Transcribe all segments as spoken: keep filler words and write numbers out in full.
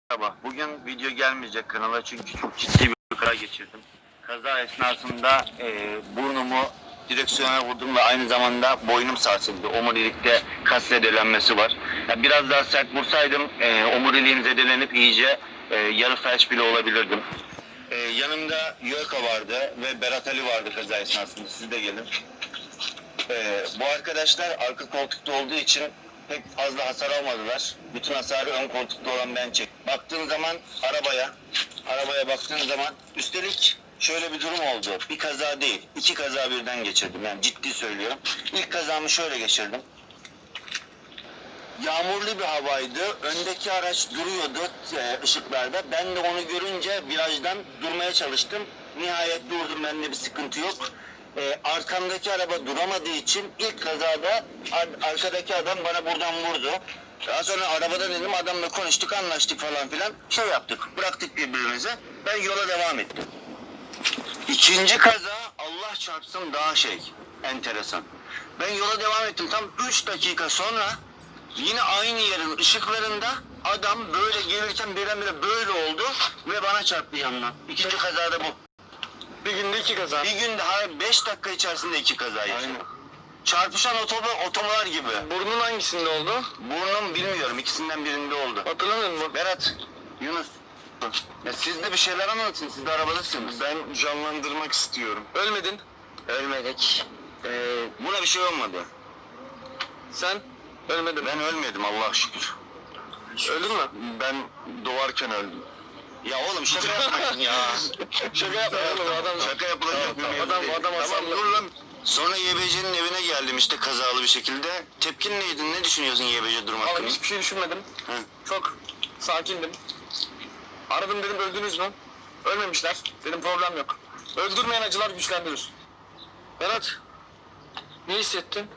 Merhaba. Bugün video gelmeyecek kanala çünkü çok ciddi bir kaza geçirdim. Kaza esnasında e, burnumu direksiyona vurdum ve aynı zamanda boynum sarsıldı. Omurilikte kas zedelenmesi var. Ya biraz daha sert vursaydım e, omuriliğim zedelenip iyice e, yarı felç bile olabilirdim. E, yanımda Yörka vardı ve Berat Ali vardı kaza esnasında. Siz de gelin. E, bu arkadaşlar arka koltukta olduğu için pek fazla hasar almadılar. Bütün hasarı ön koltukta olan ben çektim. Baktığın zaman arabaya, arabaya baktığın zaman üstelik şöyle bir durum oldu. Bir kaza değil, iki kaza birden geçirdim. Yani ciddi söylüyorum. İlk kazamı şöyle geçirdim. Yağmurlu bir havaydı. Öndeki araç duruyordu e, ışıklarda. Ben de onu görünce virajdan durmaya çalıştım. Nihayet durdum. Bende bir sıkıntı yok. E, arkamdaki araba duramadığı için ilk kazada ar arkadaki adam bana buradan vurdu. Daha sonra arabada dedim adamla konuştuk, anlaştık falan filan. Şey yaptık, bıraktık birbirimize. Ben yola devam ettim. İkinci kaza Allah çarpsın daha şey, enteresan. Ben yola devam ettim. Tam üç dakika sonra yine aynı yerin ışıklarında adam böyle gelirken birdenbire böyle oldu ve bana çarptı yanına. İkinci kazada bu. Bir günde iki kaza. Bir günde hayır beş dakika içerisinde iki kaza yaşadım. Çarpışan otomobil otomolar gibi. Burnun hangisinde oldu? Burnum bilmiyorum, ikisinden birinde oldu. Hatırlamıyor musun? Berat, Yunus. Ya siz de bir şeyler anlatın, siz de arabadasınız. Ben canlandırmak istiyorum. Ölmedin. Ölmedik. Ee, buna bir şey olmadı. Sen ölmedin. Ben ölmedim Allah'a şükür. Öldün mü? Ben doğarken öldüm. Ya oğlum şaka yapmayın ya. Şaka yapma oğlum adam. Şaka yapılacak bir mevzu Adam değil. adam Tamam asarlı. dur lan. Sonra Y B C'nin evine geldim işte kazalı bir şekilde. Tepkin neydi? Ne düşünüyorsun Y B C durum Vallahi hakkında? hiçbir şey düşünmedim. Hı. Çok sakindim. Aradım dedim öldünüz mü? Ölmemişler. Dedim problem yok. Öldürmeyen acılar güçlendirir. Berat. Ne hissettin?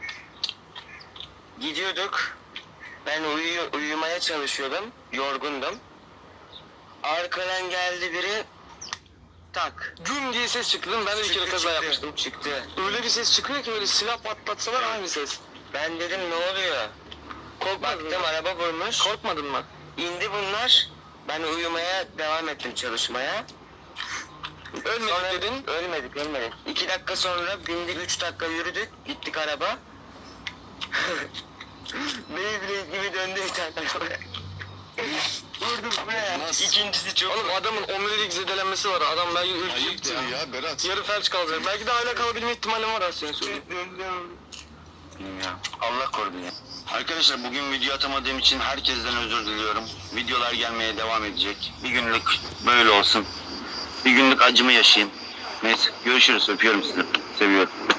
Gidiyorduk. Ben uyuyor, uyumaya çalışıyordum. Yorgundum. Arkadan geldi biri. Tak. Güm diye ses çıktı değil mi? Ben de bir kere kaza çıktı, yapmıştım. Çıktı. Öyle bir ses çıkıyor ki böyle silah patlatsalar aynı ses. Ben dedim ne oluyor? Korkmadın Baktım mı? araba vurmuş. Korkmadın mı? İndi bunlar. Ben uyumaya devam ettim çalışmaya. Ölmedik Sonra- dedin. Ölmedik ölmedik. İki dakika sonra bindik, üç dakika yürüdük. Gittik araba. Beyblade gibi döndü bir tane arabaya. Vurdum buraya. Nasıl? İkincisi çok. Oğlum adamın omurilik zedelenmesi var. Adam belki ürkecekti Ayıptır ya. ya Berat. Yarı felç kalacak. Belki de hala kalabilme ihtimalim var aslında söyleyeyim. Ya, Allah korudu ya. Arkadaşlar bugün video atamadığım için herkesten özür diliyorum. Videolar gelmeye devam edecek. Bir günlük böyle olsun. Bir günlük acımı yaşayayım. Neyse görüşürüz. Öpüyorum sizi. Seviyorum.